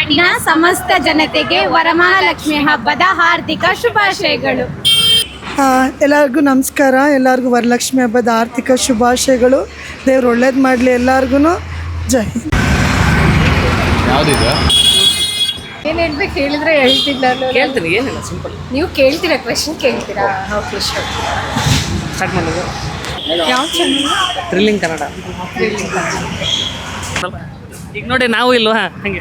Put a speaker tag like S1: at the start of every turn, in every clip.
S1: ನಾಡಿನ ಸಮಸ್ತ ಜನತೆಗೆ ವರಮಹಾಲಕ್ಷ್ಮಿ ಹಬ್ಬದ ಹಾರ್ದಿಕ ಶುಭಾಶಯಗಳು.
S2: ಎಲ್ಲರಿಗೂ ನಮಸ್ಕಾರ. ಎಲ್ಲರಿಗೂ ವರಲಕ್ಷ್ಮಿ ಹಬ್ಬದ ಆರ್ಥಿಕ ಶುಭಾಶಯಗಳು. ದೇವ್ರು ಒಳ್ಳೇದು ಮಾಡಲಿ ಎಲ್ಲರಿಗೂ. ಜೈ ಹಿಂದ್.
S3: ಏನು ಹೇಳ್ಬೇಕು ಹೇಳಿದ್ರೆ ಹೇಳ್ತೀನಿ ನಾನು.
S4: ಕೇಳ್ತೀನಿ, ಏನಿಲ್ಲ, ಸಿಂಪಲ್.
S3: ನೀವು ಕೇಳ್ತೀರಾ, ಕ್ವೆಶನ್ ಕೇಳ್ತೀರಾ? ಓಕೆ,
S4: ಸ್ಟಾರ್ಟ್ ಮಾಡೋದು.
S3: ಯಾವ ಚಾನಲ್?
S4: ಥ್ರಿಲ್ಲಿಂಗ್ ಕನ್ನಡ. ಈಗ ನೋಡಿ, ನಾವು ಇಲ್ವಾ ಹಾಗೆ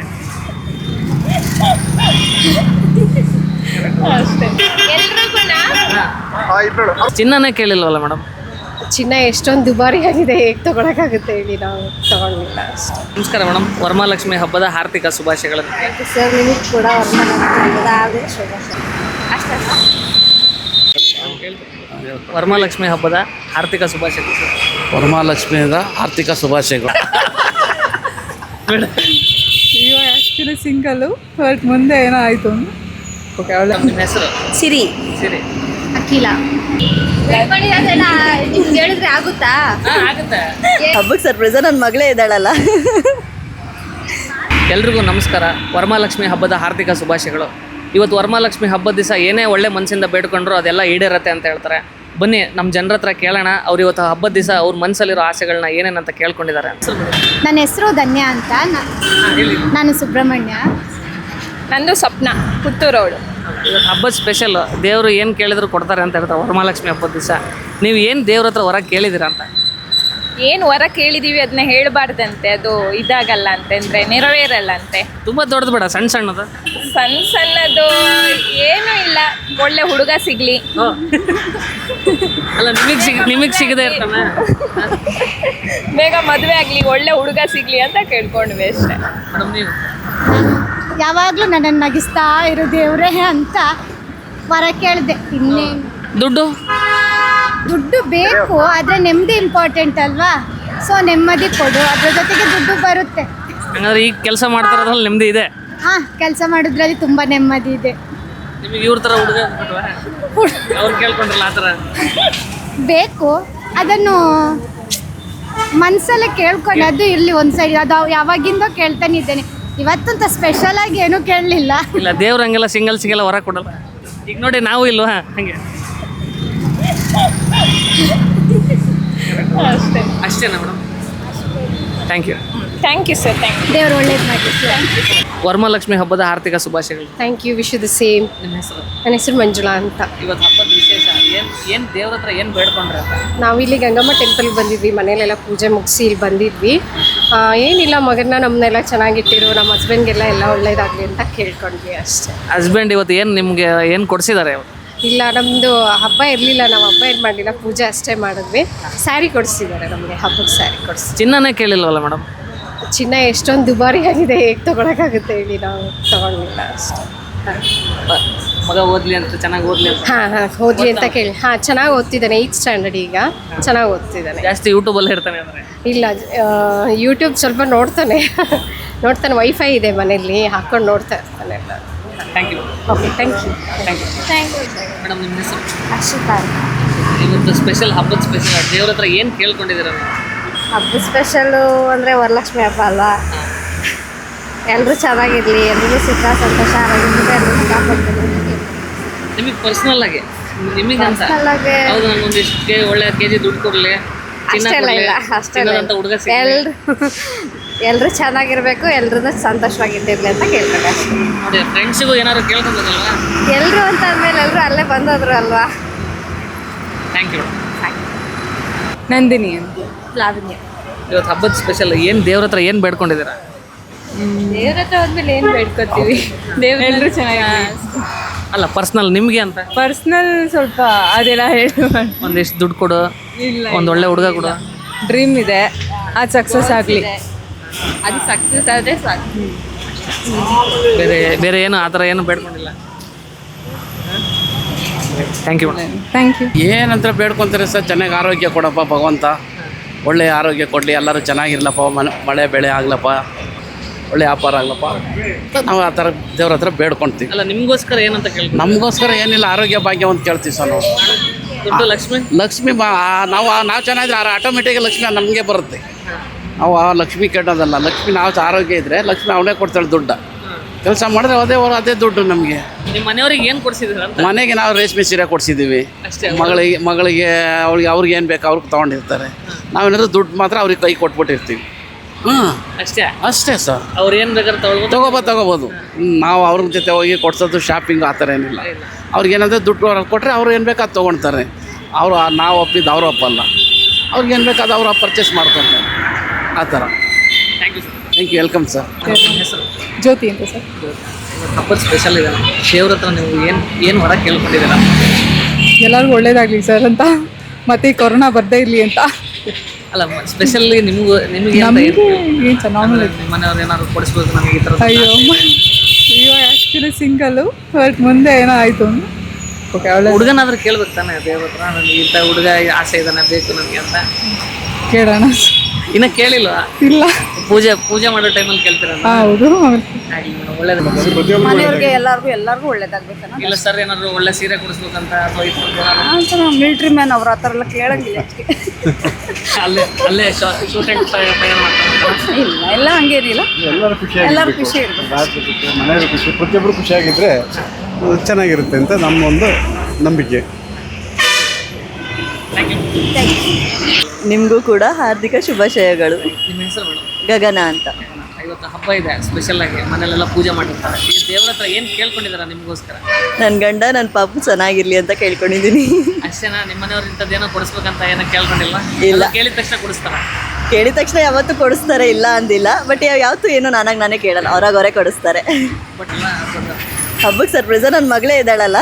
S3: ಅಷ್ಟೇ.
S4: ಚಿನ್ನನೇ ಕೇಳಿಲ್ವಲ್ಲ ಮೇಡಮ್?
S3: ಚಿನ್ನ ಎಷ್ಟೊಂದು ದುಬಾರಿ ಆಗಿದೆ, ಹೇಗೆ ತೊಗೊಳಕ್ಕಾಗುತ್ತೆ ಹೇಳಿ, ನಾವು ತೊಗೊಂಡಿಲ್ಲ ಅಷ್ಟೇ.
S4: ನಮಸ್ಕಾರ ಮೇಡಮ್, ವರಮಹಾಲಕ್ಷ್ಮಿ ಹಬ್ಬದ ಹಾರ್ದಿಕ ಶುಭಾಶಯಗಳನ್ನು.
S3: ಸರ್, ನಿಮಗೆ ಕೂಡ ವರಮಹಾಲಕ್ಷ್ಮಿ ಹಬ್ಬದ ಹಾರ್ದಿಕ ಶುಭಾಶಯ. ಅಷ್ಟೇ.
S4: ವರಮಹಾಲಕ್ಷ್ಮಿ ಹಬ್ಬದ ಆರ್ಥಿಕ ಶುಭಾಶಯಗಳು.
S5: ವರಮಹಾಲಕ್ಷ್ಮಿಯಿಂದ ಆರ್ಥಿಕ ಶುಭಾಶಯಗಳು.
S2: ಅಯ್ಯೋ, ಆ್ಯಕ್ಚುಲಿ ಸಿಂಗಲ್ಲು, ಬಟ್ ಮುಂದೆ ಏನೋ ಆಯಿತು.
S4: ಓಕೆ, ಅವಳ ನಿಮ್ಮ ಹೆಸರು?
S3: ಸಿರಿ.
S4: ಸಿರಿ.
S1: ಅಖಿಲ. ನಿಮ್ಗೆ ಹೇಳಿದ್ರೆ ಆಗುತ್ತಾ?
S4: ಆಗುತ್ತೆ.
S6: ಹಬ್ಬಕ್ಕೆ ಸರ್ಪ್ರೈಸ ನನ್ನ ಮಗಳೇ ಇದ್ದಾಳಲ್ಲ.
S4: ಎಲ್ರಿಗೂ ನಮಸ್ಕಾರ. ವರಮಹಾಲಕ್ಷ್ಮಿ ಹಬ್ಬದ ಹಾರ್ದಿಕ ಶುಭಾಶಯಗಳು. ಇವತ್ತು ವರಮಹಾಲಕ್ಷ್ಮಿ ಹಬ್ಬದ ದಿವಸ ಏನೇ ಒಳ್ಳೆ ಮನಸ್ಸಿಂದ ಬೇಡ್ಕೊಂಡ್ರು ಅದೆಲ್ಲ ಈಡೇರತ್ತೆ ಅಂತ ಹೇಳ್ತಾರೆ. ಬನ್ನಿ ನಮ್ಮ ಜನರ ಹತ್ರ ಕೇಳೋಣ, ಅವ್ರು ಇವತ್ತು ಹಬ್ಬದ ದಿವಸ ಅವ್ರ ಮನಸ್ಸಲ್ಲಿರೋ ಆಸೆಗಳನ್ನ ಏನೇನಂತ ಕೇಳ್ಕೊಂಡಿದ್ದಾರೆ.
S1: ನನ್ನ ಹೆಸರು ಧನ್ಯ ಅಂತ. ನಾನು ಸುಬ್ರಹ್ಮಣ್ಯ.
S3: ನಂದು ಸ್ವಪ್ನ, ಪುತ್ತೂರವಳು.
S4: ಇವತ್ತು ಹಬ್ಬದ ಸ್ಪೆಷಲ್. ದೇವರು ಏನು ಕೇಳಿದ್ರು ಕೊಡ್ತಾರೆ ಅಂತ ಹೇಳ್ತಾರೆ ವರಮಹಾಲಕ್ಷ್ಮಿ ಹಬ್ಬದ ದಿವಸ. ನೀವು ಏನು ದೇವ್ರ ಹತ್ರ ಹೊರ ಕೇಳಿದ್ದೀರಾ ಅಂತ?
S3: ಏನು ವರ ಕೇಳಿದೀವಿ ಅದನ್ನ ಹೇಳಬಾರ್ದಂತೆ, ಅದು ಇದಾಗಲ್ಲ ಅಂತಂದ್ರೆ ನೆರವೇರಲ್ಲ ಅಂತೆ.
S4: ತುಂಬ ದೊಡ್ಡದು ಬೇಡ, ಸಣ್ಣ ಸಣ್ಣದು.
S3: ಸಣ್ಣದು ಏನೂ ಇಲ್ಲ, ಒಳ್ಳೆ ಹುಡುಗ ಸಿಗ್ಲಿ.
S4: ಅಲ್ಲ, ನಿಮಗೆ ಸಿಗದೆ ಇರ್ತಾನೆ.
S3: ಬೇಗ ಮದುವೆ ಆಗಲಿ, ಒಳ್ಳೆ ಹುಡುಗ ಸಿಗ್ಲಿ ಅಂತ ಕೇಳ್ಕೊಂಡ್ವಿ ಅಷ್ಟೇ.
S4: ಮೇಡಮ್, ನೀವು?
S1: ಯಾವಾಗಲೂ ನನ್ನನ್ನು ನಗಿಸ್ತಾ ಇರೋ ದೇವ್ರೇ ಅಂತ ವರ ಕೇಳಿದೆ. ಇನ್ನೇನು ದುಡ್ಡು ಬೇಕು, ಆದರೆ ನೆಮ್ಮದಿ ಇಂಪಾರ್ಟೆಂಟ್ ಅಲ್ವಾ? ಸೊ ನೆಮ್ಮದಿ ಕೊಡು, ಅದ್ರ ಜೊತೆಗೆ ದುಡ್ಡು ಬರುತ್ತೆ.
S4: ಹಂಗಾದ್ರೆ ಈಗ ಕೆಲಸ ಮಾಡ್ತಾರೋದ್ರಲ್ಲಿ ನೆಮ್ಮದಿ ಇದೆ?
S1: ಹಾಂ, ಕೆಲಸ ಮಾಡೋದ್ರಲ್ಲಿ ತುಂಬ ನೆಮ್ಮದಿ ಇದೆ.
S4: ನಿಮಗೆ ಇವ್ರ ಥರ ಹುಡುಗ ಅವ್ರು ಕೇಳ್ಕೊಂಡ್ರಲ್ಲ ಆ ಥರ
S1: ಬೇಕು, ಅದನ್ನು ಮನಸ್ಸಲ್ಲೇ ಕೇಳ್ಕೊಂಡು ಅದು ಇರಲಿ ಒಂದು ಸೈಡ್. ಅದು ಯಾವಾಗಿಂದ ಕೇಳ್ತಾನೆ ಇದ್ದೇನೆ, ಇವತ್ತಂತ ಸ್ಪೆಷಲ್ ಆಗಿ ಏನೂ ಕೇಳಲಿಲ್ಲ.
S4: ಇಲ್ಲ, ದೇವ್ರು ಹಂಗೆಲ್ಲ ಸಿಂಗಲ್ ಹೊರ ಕೊಡಲ್ಲ. ಈಗ ನೋಡಿ, ನಾವು ಇಲ್ವಾ ಹಾಗೆ? ಅಷ್ಟೇನಾ madam? Thank you.
S3: Thank you sir, thank you.
S1: ದೇವ್ರು ಒಳ್ಳೇದು ಮಾಡಿ.
S4: ವರಮಹಾಲಕ್ಷ್ಮಿ ಹಬ್ಬದ ಆರ್ಥಿಕ ಶುಭಾಶಯಗಳು.
S3: Thank you, wish you the same.
S4: ನಿಮ್ಮ ಹೆಸರು?
S3: ನನ್ನ ಹೆಸರು ಮಂಜುಳಾ ಅಂತ.
S4: ಇವತ್ತು ಹಬ್ಬದ ವಿಶೇಷ ಏನು ದೇವ್ರ ಹತ್ರ ಏನು ಬೇಡ್ಕೊಂಡ್ರೆ ಅಂತ?
S3: ನಾವಿಲ್ಲಿ ಗಂಗಮ್ಮ ಟೆಂಪಲ್ಗೆ ಬಂದಿದ್ವಿ, ಮನೇಲೆಲ್ಲ ಪೂಜೆ ಮುಗಿಸಿ ಇಲ್ಲಿ ಬಂದಿದ್ವಿ. ಏನಿಲ್ಲ, ಮಗನ ನಮ್ಮನ್ನೆಲ್ಲ ಚೆನ್ನಾಗಿಟ್ಟಿರು, ನಮ್ಮ ಹಸ್ಬೆಂಡ್ಗೆಲ್ಲ ಎಲ್ಲ ಒಳ್ಳೇದಾಗಲಿ ಅಂತ ಕೇಳ್ಕೊಂಡ್ವಿ ಅಷ್ಟೇ.
S4: ಹಸ್ಬೆಂಡ್ ಇವತ್ತು ಏನು ನಿಮಗೆ ಏನು ಕೊಡಿಸಿದ್ದಾರೆ?
S3: ಇಲ್ಲ, ನಮ್ಮದು ಹಬ್ಬ ಇರಲಿಲ್ಲ, ನಾವು ಹಬ್ಬ ಏನು ಮಾಡಲಿಲ್ಲ, ಪೂಜೆ ಅಷ್ಟೇ ಮಾಡಿದ್ವಿ. ಸ್ಯಾರಿ ಕೊಡಿಸಿದ್ದಾರೆ ನಮಗೆ, ಹಬ್ಬದ ಸ್ಯಾರಿ ಕೊಡಿಸಿ.
S4: ಚಿನ್ನನೇ ಕೇಳಿಲ್ವಲ್ಲ ಮೇಡಮ್?
S3: ಚಿನ್ನ ಎಷ್ಟೊಂದು ದುಬಾರಿ ಆಗಿದೆ, ಹೇಗೆ ತೊಗೊಳಕ್ಕಾಗುತ್ತೆ ಹೇಳಿ, ನಾವು ತೊಗೊಂಡಿಲ್ಲ ಅಷ್ಟೇ.
S4: ಮಗ ಓದಲಿ ಅಂತ, ಚೆನ್ನಾಗಿ ಓದಲಿ ಅಂತ.
S3: ಹಾಂ, ಓದಲಿ ಅಂತ ಕೇಳಿ. ಚೆನ್ನಾಗಿ ಓದ್ತಿದ್ದಾನೆ, 8th ಸ್ಟ್ಯಾಂಡರ್ಡ್ ಈಗ, ಚೆನ್ನಾಗಿ ಓದ್ತಿದ್ದಾನೆ.
S4: ಜಾಸ್ತಿ ಯೂಟ್ಯೂಬಲ್ಲಿ ಇರ್ತಾನೆ ಅಂದರೆ?
S3: ಇಲ್ಲ, ಯೂಟ್ಯೂಬ್ ಸ್ವಲ್ಪ ನೋಡ್ತಾನೆ. ವೈಫೈ ಇದೆ ಮನೆಯಲ್ಲಿ, ಹಾಕ್ಕೊಂಡು ನೋಡ್ತಾ ಇರ್ತಾನೆ ಎಲ್ಲ.
S4: Thank you.
S3: Okay, thank you.
S4: Madam, ನಿಮ್ಮ ಹೆಸರು?
S1: ಅಕ್ಷತಾ.
S4: ಇವತ್ತು ಸ್ಪೆಷಲ್, ಹಬ್ಬದ ಸ್ಪೆಷಲ್, ದೇವ್ರ ಹತ್ರ ಏನು ಕೇಳ್ಕೊಂಡಿದ್ದೀರ?
S6: ಹಬ್ಬದ ಸ್ಪೆಷಲು ಅಂದರೆ ವರಲಕ್ಷ್ಮಿ ಹಬ್ಬ ಅಲ್ವಾ? ಎಲ್ಲರೂ ಚೆನ್ನಾಗಿರಲಿ, ಎಲ್ರಿಗೂ ಸುಖ ಸಂತೋಷ ಆರೋಗ್ಯದಿಂದ ಎಲ್ಲರೂ ಕಾಪಾಡ್ತೀನಿ.
S4: ನಿಮಗೆ ಪರ್ಸ್ನಲ್ ಆಗಿ, ನಿಮಗೆ ಅಂತ ಹೌದು, ನನಗೊಂದಿಷ್ಟು ಒಳ್ಳೆ ಕೆಜಿ ದುಡ್ಡು ಕೊಡಲಿ,
S6: ಅಷ್ಟೆಲ್ಲ ಇಲ್ಲ, ಅಷ್ಟೆಲ್ಲ
S4: ಅಂತ ಹುಡುಗ
S6: ಎಲ್ಲರೂ ಚೆನ್ನಾಗಿರಬೇಕು, ಎಲ್ಲರೂ ಸಂತೋಷವಾಗಿಟ್ಟಿರಲಿ ಅಂತ ಕೇಳ್ತಾರೆ ಅಷ್ಟೇ.
S4: ನೋಡಿ, ಫ್ರೆಂಡ್ಸಿಗೂ ಏನಾದ್ರು ಕೇಳ್ಕೊಬೇಕಲ್ವಾ?
S6: ಎಲ್ಲರೂ ಅಂತ ಅಂದಮೇಲೆ ಎಲ್ಲರೂ ಅಲ್ಲೇ ಬಂದೋದ್ರು ಅಲ್ವಾ?
S4: Thank you.
S2: ನಂದಿನಿ ಅಂತ.
S6: ಲಾವಣ್ಯ.
S4: ಇವತ್ತು ಹಬ್ಬದ ಸ್ಪೆಷಲ್ ಏನು ದೇವ್ರ ಹತ್ರ ಏನು ಬೇಡ್ಕೊಂಡಿದ್ದೀರಾ?
S6: ದೇವ್ರ ಹತ್ರ ಹೋದ್ಮೇಲೆ ಏನು ಬೇಡ್ಕೊತೀವಿ?
S2: ಎಲ್ಲರೂ ಚೆನ್ನಾಗಿ.
S4: ಅಲ್ಲ, ಪರ್ಸ್ನಲ್ ನಿಮಗೆ ಅಂತ.
S2: ಪರ್ಸ್ನಲ್ ಸ್ವಲ್ಪ ಅದೆಲ್ಲ ಹೇಳಿ.
S4: ಒಂದಿಷ್ಟು ದುಡ್ಡು ಕೊಡು, ಒಂದು ಒಳ್ಳೆ ಹುಡುಗ ಕೊಡು.
S2: ಡ್ರೀಮ್ ಇದೆ, ಅದು ಸಕ್ಸಸ್ ಆಗಲಿ.
S6: ಅದು ಸಕ್ಸಸ್ ಆದರೆ ಸಾಕು.
S4: ಬೇರೆ ಏನು ಆ ಥರ ಏನು ಬೇಡ್ಕೊಂಡಿಲ್ಲ. Thank you.
S2: Thank you.
S5: ಏನಂತ ಬೇಡ್ಕೊತಾರೆ ಸರ್? ಚೆನ್ನಾಗಿ ಆರೋಗ್ಯ ಕೊಡಪ್ಪ ಭಗವಂತ, ಒಳ್ಳೆಯ ಆರೋಗ್ಯ ಕೊಡಲಿ, ಎಲ್ಲರೂ ಚೆನ್ನಾಗಿರ್ಲಪ್ಪ, ಮಳೆ ಬೆಳೆ ಆಗ್ಲಪ್ಪ, ಒಳ್ಳೆ ವ್ಯಾಪಾರ ಆಗ್ಲಪ್ಪ, ನಾವು ಆ ಥರ ದೇವ್ರ ಹತ್ರ ಬೇಡ್ಕೊಳ್ತೀವಿ.
S4: ಅಲ್ಲ, ನಿಮಗೋಸ್ಕರ ಏನಂತ ಕೇಳ್ತೀವಿ?
S5: ನಮಗೋಸ್ಕರ ಏನಿಲ್ಲ, ಆರೋಗ್ಯ ಭಾಗ್ಯ ಅಂತ ಕೇಳ್ತೀವಿ ಸರ್ ನಾವು.
S4: ದುಡ್ಡು ಲಕ್ಷ್ಮಿ
S5: ನಾವು ಚೆನ್ನಾಗಿದ್ರೆ ಆಟೋಮೆಟಿಕ್ ಲಕ್ಷ್ಮಿ ನಮಗೆ ಬರುತ್ತೆ. ನಾವು ಆ ಲಕ್ಷ್ಮಿ ಕೆಟ್ಟೋದಲ್ಲ, ಲಕ್ಷ್ಮಿ ನಾವು ಆರೋಗ್ಯ ಇದ್ದರೆ ಲಕ್ಷ್ಮಿ ಅವಳೇ ಕೊಡ್ತಾಳೆ ದುಡ್ಡು. ಕೆಲಸ ಮಾಡಿದ್ರೆ ಅದೇ ದುಡ್ಡು ನಮಗೆ.
S4: ನಿಮ್ಮ ಮನೆಯವ್ರಿಗೆ ಏನು ಕೊಡಿಸಿದ್ರ ಅಂತ?
S5: ಮನೆಗೆ ನಾವು ರೇಷ್ಮೆ ಸೀರೆ ಕೊಡಿಸಿದ್ದೀವಿ.
S4: ಅಷ್ಟೇ.
S5: ಮಗಳಿಗೆ ಅವ್ರಿಗೆ ಏನು ಬೇಕು ಅವ್ರಿಗೆ ತೊಗೊಂಡಿರ್ತಾರೆ. ನಾವೇನಾದ್ರು ದುಡ್ಡು ಮಾತ್ರ ಅವ್ರಿಗೆ ಕೈ ಕೊಟ್ಬಿಟ್ಟಿರ್ತೀವಿ. ಅಷ್ಟೇ ಸರ್.
S4: ಅವ್ರು ಏನು ಬೇಕಾದ್ರೆ
S5: ತಗೋಬೋದು. ನಾವು ಅವ್ರ ಜೊತೆ ಹೋಗಿ ಕೊಡ್ಸೋದು ಶಾಪಿಂಗ್ ಆ ಥರ ಏನಿಲ್ಲ. ಅವ್ರಿಗೇನಾದರೂ ದುಡ್ಡು ಕೊಟ್ಟರೆ ಅವ್ರು ಏನು ಬೇಕು ಅದು ತೊಗೊಳ್ತಾರೆ. ನಾವು ಒಪ್ಪಿದ್ದು ಅವರು ಒಪ್ಪಲ್ಲ. ಅವ್ರಿಗೇನು ಬೇಕಾದ ಅವ್ರು ಪರ್ಚೇಸ್ ಮಾಡ್ಕೊತಾರೆ ಆ ಥರ.
S4: Thank you sir.
S5: Thank you, welcome sir.
S4: ಹೆಸರು
S7: ಜ್ಯೋತಿ ಅಂತ ಸರ್.
S4: ಹಬ್ಬದ ಸ್ಪೆಷಲ್ ಇದೆ. ದೇವ್ರ ಹತ್ರ ನೀವು ಏನು ಹೊರ ಕೇಳ್ಕೊಂಡಿದ್ದೀರಾ?
S7: ಎಲ್ಲರಿಗೂ ಒಳ್ಳೇದಾಗಲಿ ಸರ್ ಅಂತ, ಮತ್ತು ಈ ಕೊರೋನಾ ಬರದೇ ಇರಲಿ ಅಂತ.
S4: ಅಲ್ಲ, ಸ್ಪೆಷಲಿ ನಿಮಗೆ
S7: ನಮಗೆ ಏನು ಚೆನ್ನಾಗಿ
S4: ನಿಮ್ಮ ಮನೆಯವ್ರು ಏನಾದ್ರು ಕೊಡಿಸ್ಬೇಕು ನನಗೆ ಈ ಥರ?
S7: ಅಯ್ಯೋ ಆ್ಯಕ್ಚುಲಿ ಸಿಂಗಲ್ಲು, ಬಟ್ ಮುಂದೆ ಏನೋ ಆಯಿತು. ಓಕೆ, ಒಳ್ಳೆ
S4: ಹುಡುಗನಾದ್ರೂ ಕೇಳ್ಬೇಕು ತಾನೆ ದೇವ್ರ ಹತ್ರ, ನನಗೆ ಇಂಥ ಹುಡುಗ ಆಸೆ ಇದ್ದಾನೆ ಬೇಕು ನನಗೆ ಅಂತ.
S7: ಕೇಳೋಣ.
S4: ಇನ್ನೂ ಕೇಳಿಲ್ವಾ?
S7: ಇಲ್ಲ.
S4: ಪೂಜೆ ಮಾಡೋ ಟೈಮಲ್ಲಿ ಕೇಳ್ತೀರ?
S7: ಹೌದು.
S4: ಒಳ್ಳೇದು.
S6: ಮನೆಯವ್ರಿಗೆ ಎಲ್ಲರಿಗೂ ಒಳ್ಳೇದಾಗ್ಬೇಕನ್ನ.
S4: ಇಲ್ಲ ಸರ್, ಏನಾದ್ರು ಒಳ್ಳೆ ಸೀರೆ ಕೊಡಿಸ್ಬೇಕಂತ ಅಥವಾ
S6: ನಾವು ಮಿಲ್ಟ್ರಿ ಮ್ಯಾನ್ ಅವ್ರ ಆ ಥರ ಎಲ್ಲ ಕೇಳಂಗಿಲ್ಲ.
S4: ಅಲ್ಲೇ ಶೂಟ್ ಆ್ಯಂಡ್ ಫೈರ್ ಮಾಡ್ತಾರೆ?
S6: ಎಲ್ಲ ಹಂಗೇನಿಲ್ಲ, ಎಲ್ಲರೂ ಖುಷಿ
S8: ಮನೆಯವರು ಖುಷಿ, ಪ್ರತಿಯೊಬ್ಬರು ಖುಷಿಯಾಗಿದ್ದರೆ ಚೆನ್ನಾಗಿರುತ್ತೆ ಅಂತ ನಮ್ಮ ಒಂದು ನಂಬಿಕೆ.
S9: ನಿಮಗೂ ಕೂಡ ಹಾರ್ದಿಕ ಶುಭಾಶಯಗಳು.
S4: ನಿಮ್ಮ ಹೆಸರು ಮೇಡಮ್?
S9: ಗಗನ ಅಂತ.
S4: ಇವತ್ತು ಹಬ್ಬ ಇದೆ, ಸ್ಪೆಷಲ್ ಆಗಿ ಮನೇಲೆಲ್ಲ ಪೂಜೆ ಮಾಡಿರ್ತಾರೆ. ಈ ದೇವ್ರ ಹತ್ರ ಏನು ಕೇಳ್ಕೊಂಡಿದಾರ ನಿಮಗೋಸ್ಕರ?
S9: ನನ್ನ ಗಂಡ ನನ್ನ ಪಾಪು ಚೆನ್ನಾಗಿರ್ಲಿ ಅಂತ ಕೇಳ್ಕೊಂಡಿದ್ದೀನಿ.
S4: ಅಷ್ಟೇನಾ? ನಿಮ್ಮ ಮನೆಯವ್ರು ಇಂಥದ್ದೇನೋ ಕೊಡಿಸ್ಬೇಕಂತ ಏನೋ ಕೇಳ್ಕೊಂಡಿಲ್ವಾ?
S9: ಇಲ್ಲ.
S4: ಕೇಳಿದ ತಕ್ಷಣ ಕೊಡಿಸ್ತಾರ?
S9: ಕೇಳಿದ ತಕ್ಷಣ ಯಾವತ್ತೂ ಕೊಡಿಸ್ತಾರೆ, ಇಲ್ಲ ಅಂದಿಲ್ಲ. ಬಟ್ ಯಾವತ್ತೂ ಏನೋ ನಾನೇ ಕೇಳಲ್ಲ, ಅವರೇ ಕೊಡಿಸ್ತಾರೆ.
S4: ಬಟ್ ಇಲ್ಲ,
S9: ಹಬ್ಬಕ್ಕೆ ಸರ್ಪ್ರೈಸ ನನ್ನ ಮಗಳೇ ಇದ್ದಾಳಲ್ಲ.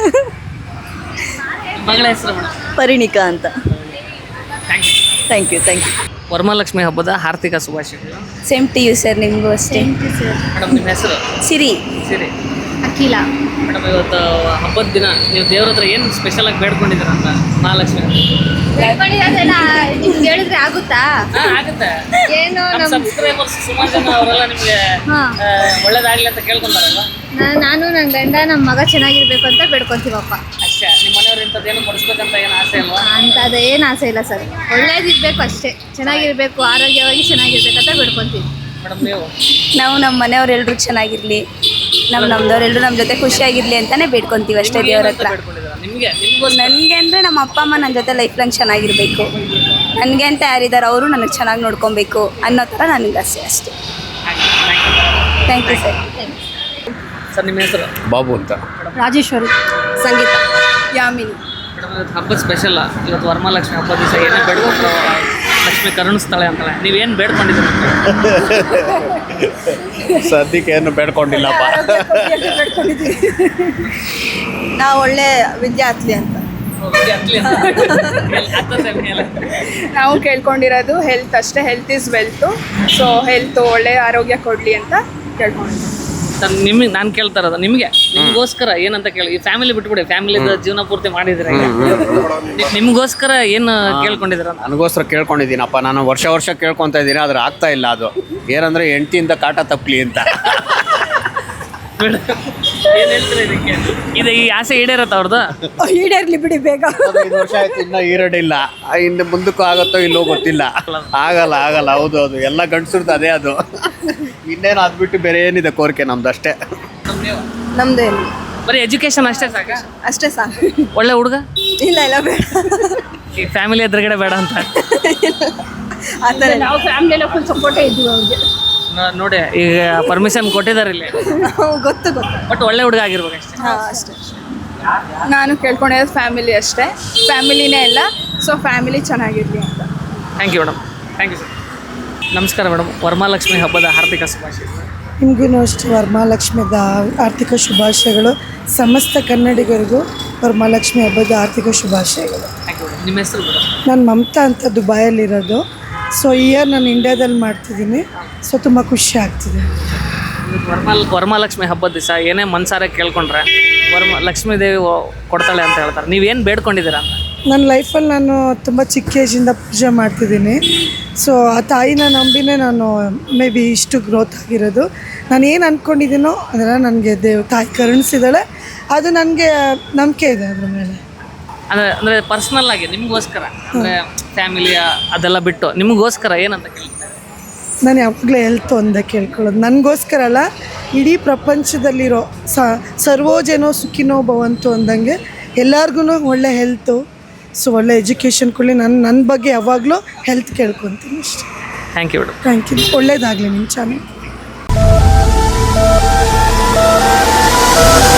S4: ಮಗಳ ಹೆಸರು ಮೇಡಮ್?
S9: ಪರಿಣಿಕಾ ಅಂತ.
S4: Thank you.
S9: Thank you.
S4: Varamahalakshmi ಹಬ್ಬದ ಹಾರ್ದಿಕ ಶುಭಾಶಯಗಳು.
S6: ಸೇಮ್ ಟು ಯು ಸರ್, ನಿಮಗೂ ಅಷ್ಟೇ.
S4: ಮೇಡಮ್, ನಿಮ್ಮ ಹೆಸರು?
S6: ಸಿರಿ.
S4: ಸರಿ
S1: ಅಖಿಲ.
S4: ಮೇಡಮ್, ಇವತ್ತು ಹಬ್ಬದ ದಿನ ನೀವು ದೇವ್ರ ಹತ್ರ ಏನು ಸ್ಪೆಷಲ್ ಆಗಿ ಬೇಡ್ಕೊಂಡಿದ್ದೀರ ಅಂತ ಮಹಾಲಕ್ಷ್ಮಿ?
S1: ನಿಮ್ಗೆ ಹೇಳಿದ್ರೆ ಆಗುತ್ತಾ?
S4: ಆಗುತ್ತೆ.
S1: ಏನು
S4: ನಮ್ಮ ಸಬ್ಸ್ಕ್ರೈಬರ್ಸ್ ಸುಮಾರು ಜನ ಅವರೆಲ್ಲ ನಿಮಗೆ ಒಳ್ಳೇದಾಗಲಿ ಅಂತ ಕೇಳ್ಕೊಂತಾರಲ್ವ?
S1: ನಾನು ನನ್ನ ಗಂಡ ನಮ್ಮ ಮಗ ಚೆನ್ನಾಗಿರ್ಬೇಕು ಅಂತ ಬೇಡ್ಕೊಂತೀವಪ್ಪ
S4: ಅಷ್ಟೇ. ನಿಮ್ಮ ಮನೆಯವ್ರು ಇಂಥದ್ದೇನು ಕೊಡಿಸ್ಬೇಕಂತ ಏನು ಆಸೆ ಅಲ್ವಾ?
S1: ಅಂತ ಏನು ಆಸೆ ಇಲ್ಲ ಸರ್, ಒಳ್ಳೇದಿರ್ಬೇಕು ಅಷ್ಟೇ, ಚೆನ್ನಾಗಿರ್ಬೇಕು, ಆರೋಗ್ಯವಾಗಿ ಚೆನ್ನಾಗಿರ್ಬೇಕಂತ ಬೇಡ್ಕೊಂತೀವಿ.
S4: ಮೇಡಮ್, ನೀವು?
S6: ನಾವು ನಮ್ಮ ಮನೆಯವ್ರು ಎಲ್ರು ಚೆನ್ನಾಗಿರ್ಲಿ, ನಮ್ದವ್ರೆಲ್ಲರೂ ನಮ್ಮ ಜೊತೆ ಖುಷಿಯಾಗಿರ್ಲಿ ಅಂತಾನೆ ಬೇಡ್ಕೊಂತೀವಿ ಅಷ್ಟೇ ದೇವ್ರ ಹತ್ರ. ನನಗೆ ಅಂದರೆ ನಮ್ಮ ಅಪ್ಪ ಅಮ್ಮ ನನ್ನ ಜೊತೆ ಲೈಫ್ ಲಾಂಗ್ ಚೆನ್ನಾಗಿರಬೇಕು, ನನಗೆ ಅಂತ ಯಾರಿದ್ದಾರೆ ಅವರು ನನಗೆ ಚೆನ್ನಾಗಿ ನೋಡ್ಕೊಬೇಕು ಅನ್ನೋ ಥರ ನನಗೆ ಆಸೆ ಅಷ್ಟೇ. Thank you sir.
S4: ಸರ್, ನಿಮ್ಮ ಹೆಸರು?
S5: ಬಾಬು ಅಂತ.
S1: ರಾಜೇಶ್ವರಿ.
S6: ಸಂಗೀತ. ಯಾಮಿನಿ.
S4: ಮೇಡಮ್, ಇವತ್ತು ಹಬ್ಬದ ಸ್ಪೆಷಲ್. ಇವತ್ತು ವರಮಹಾಲಕ್ಷ್ಮಿ ಹಬ್ಬದ ದಿವಸ ಏನೇ ಬೇಡ್ಕೊಂಡ್ರು ಲಕ್ಷ್ಮಿ ಕರುಣಿಸ್ತಾಳೆ ಅಂತಾಳೆ. ನೀವೇನು ಬೇಡ್ಕೊಂಡಿದ್ದೀರಿ?
S8: ಸದ್ಯಕ್ಕೆ ಏನು ಬೇಡ್ಕೊಂಡಿಲ್ಲಪ್ಪ.
S9: ನಾವು ಒಳ್ಳೆ ವಿದ್ಯಾರ್ಥಿ ಅಂತ.
S7: ನಾವು ಕೇಳ್ಕೊಂಡಿರೋದು ಹೆಲ್ತ್ ಅಷ್ಟೇ. Health is wealth. So health ಒಳ್ಳೆ ಆರೋಗ್ಯ ಕೊಡಲಿ ಅಂತ ಕೇಳ್ಕೊಂಡಿದ್ದೀವಿ.
S4: ಸರ್, ನಾನು ಕೇಳ್ತಾ ಇರೋದು ನಿಮಗೋಸ್ಕರ ಏನಂತ ಕೇಳಿ. ಈ ಫ್ಯಾಮಿಲಿ ಬಿಟ್ಬಿಡಿ, ಫ್ಯಾಮಿಲಿದ ಜೀವನ ಪೂರ್ತಿ ಮಾಡಿದ್ರೆ ನಿಮಗೋಸ್ಕರ ಏನು ಕೇಳ್ಕೊಂಡಿದ್ದೀರ?
S10: ನನಗೋಸ್ಕರ ಕೇಳ್ಕೊಂಡಿದ್ದೀನಪ್ಪ. ನಾನು ವರ್ಷ ಕೇಳ್ಕೊತಾ ಇದ್ದೀನಿ, ಆದ್ರೆ ಆಗ್ತಾ ಇಲ್ಲ. ಅದು ಏನಂದರೆ ಹೆಂಡತಿಯಿಂದ ಕಾಟ ತಪ್ಪಲಿ ಅಂತ.
S4: ಏನು ಹೇಳ್ತಾರೆ ಇದಕ್ಕೆ? ಇದು ಈ ಆಸೆ ಈಡೇರತ್ತ ಅವ್ರದ್ದು?
S9: ಈಡೇರ್ಲಿ ಬಿಡಿ ಬೇಗ.
S10: 5 ವರ್ಷ ಆಯ್ತು, ಇನ್ನೂ ಈರಡಿಲ್ಲ. ಇನ್ನು ಮುಂದಕ್ಕೂ ಆಗುತ್ತೋ ಇಲ್ಲೋ ಗೊತ್ತಿಲ್ಲ. ಆಗಲ್ಲ. ಹೌದು, ಎಲ್ಲ ಗಂಡಸ್ರದ್ದು ಅದೇ. ಅದು ಇನ್ನೇನು ಅದ್ಬಿಟ್ಟು ಬೇರೆ ಏನಿದೆ ಕೋರಿಕೆ ನಮ್ದು ಅಷ್ಟೇ.
S9: ನಮ್ದೇನು
S4: ಬರೀ ಎಜುಕೇಶನ್ ಅಷ್ಟೇ ಸಾಕ?
S9: ಅಷ್ಟೇ ಸಾಕು.
S4: ಒಳ್ಳೆ ಹುಡುಗ?
S9: ಇಲ್ಲ ಬೇಡ.
S4: ಈ ಫ್ಯಾಮಿಲಿ ಎದುರುಗಡೆ ಬೇಡ ಅಂತ?
S9: ಆ ಥರ
S1: ನಾವು ಫ್ಯಾಮಿಲಿ ಎಲ್ಲ ಫುಲ್ ಸಪೋರ್ಟೇ ಇದ್ದೀವಿ ಅವ್ರಿಗೆ.
S4: ನೋಡಿ, ಈಗ ಪರ್ಮಿಷನ್ ಕೊಟ್ಟಿದ್ದಾರೆ ಇಲ್ಲಿ.
S9: ಗೊತ್ತು.
S4: ಬಟ್ ಒಳ್ಳೆ ಹುಡುಗ ಆಗಿರ್ಬೇಕು ಅಷ್ಟೇ.
S9: ಹಾಂ, ಅಷ್ಟೇ.
S7: ನಾನು ಕೇಳ್ಕೊಂಡಿರೋದು ಫ್ಯಾಮಿಲಿ ಅಷ್ಟೇ. ಫ್ಯಾಮಿಲಿನೇ ಎಲ್ಲ. ಸೊ ಫ್ಯಾಮಿಲಿ ಚೆನ್ನಾಗಿರಲಿ ಅಂತ.
S4: Thank you madam. Thank you sir. ನಮಸ್ಕಾರ ಮೇಡಮ್, ವರಮಹಾಲಕ್ಷ್ಮಿ ಹಬ್ಬದ ಹಾರ್ದಿಕ ಶುಭಾಶಯಗಳು.
S2: ನಿಮಗೂ ಅಷ್ಟೇ ವರಮಹಾಲಕ್ಷ್ಮಿದ ಆರ್ಥಿಕ ಶುಭಾಶಯಗಳು. ಸಮಸ್ತ ಕನ್ನಡಿಗರಿಗೂ ವರಮಹಾಲಕ್ಷ್ಮಿ ಹಬ್ಬದ ಆರ್ಥಿಕ ಶುಭಾಶಯಗಳು.
S4: Thank you madam. ನಿಮ್ಮ ಹೆಸರು ಮೇಡಮ್?
S2: ನಾನು ಮಮತಾ ಅಂತ ದುಬೈಯಲ್ಲಿರೋದು. ಸೊ ಈ ಇಯರ್ ನಾನು ಇಂಡಿಯಾದಲ್ಲಿ ಮಾಡ್ತಿದ್ದೀನಿ. ಸೊ ತುಂಬ ಖುಷಿ ಆಗ್ತಿದೆ.
S4: ವರಮಹಾಲಕ್ಷ್ಮಿ ಹಬ್ಬದ ದಿವಸ ಏನೇ ಮನ್ಸಾರೆ ಕೇಳ್ಕೊಂಡ್ರೆ ಲಕ್ಷ್ಮೀ ದೇವಿ ಕೊಡ್ತಾಳೆ ಅಂತ ಹೇಳ್ತಾರೆ. ನೀವೇನು ಬೇಡ್ಕೊಂಡಿದ್ದೀರಾ ಅಂತ?
S2: ನನ್ನ ಲೈಫಲ್ಲಿ ನಾನು ತುಂಬ ಚಿಕ್ಕ ಏಜಿಂದ ಪೂಜೆ ಮಾಡ್ತಿದ್ದೀನಿ. ಸೊ ಆ ತಾಯಿನ ನಂಬಿನೇ ನಾನು ಮೇ ಬಿ ಇಷ್ಟು ಗ್ರೋತ್ ಆಗಿರೋದು. ನಾನು ಏನು ಅಂದ್ಕೊಂಡಿದ್ದೀನೋ ಅದನ್ನು ನನಗೆ ತಾಯಿ ಕರುಣಿಸಿದ್ದಾಳೆ. ಅದು ನನಗೆ ನಂಬಿಕೆ ಇದೆ ಅದ್ರ ಮೇಲೆ.
S4: ಅಂದರೆ ಪರ್ಸ್ನಲ್ ಆಗಿ ನಿಮಗೋಸ್ಕರ, ಅಂದರೆ ಫ್ಯಾಮಿಲಿಯ ಅದೆಲ್ಲ ಬಿಟ್ಟು ನಿಮಗೋಸ್ಕರ ಏನಂತ ಕೇಳ್ತಾರೆ?
S2: ನಾನು ಯಾವಾಗಲೂ ಹೆಲ್ತ್ ಒಂದೇ ಕೇಳ್ಕೊಳ್ಳೋದು, ನನಗೋಸ್ಕರ ಅಲ್ಲ, ಇಡೀ ಪ್ರಪಂಚದಲ್ಲಿರೋ ಸರ್ವೋಜನೋ ಸುಖಿನೋ ಭವಂತು ಅಂದಂಗೆ ಎಲ್ಲರಿಗೂ ಒಳ್ಳೆ ಹೆಲ್ತು, ಸೊ ಒಳ್ಳೆ ಎಜುಕೇಷನ್ ಕೊಡಲಿ. ನನ್ನ ಬಗ್ಗೆ ಯಾವಾಗಲೂ ಹೆಲ್ತ್ ಕೇಳ್ಕೊತೀನಿ ಅಷ್ಟೇ.
S4: Thank you madam.
S2: Thank you, ಒಳ್ಳೇದಾಗಲಿ ನಿಮ್ಮ ಚಾನಲ್.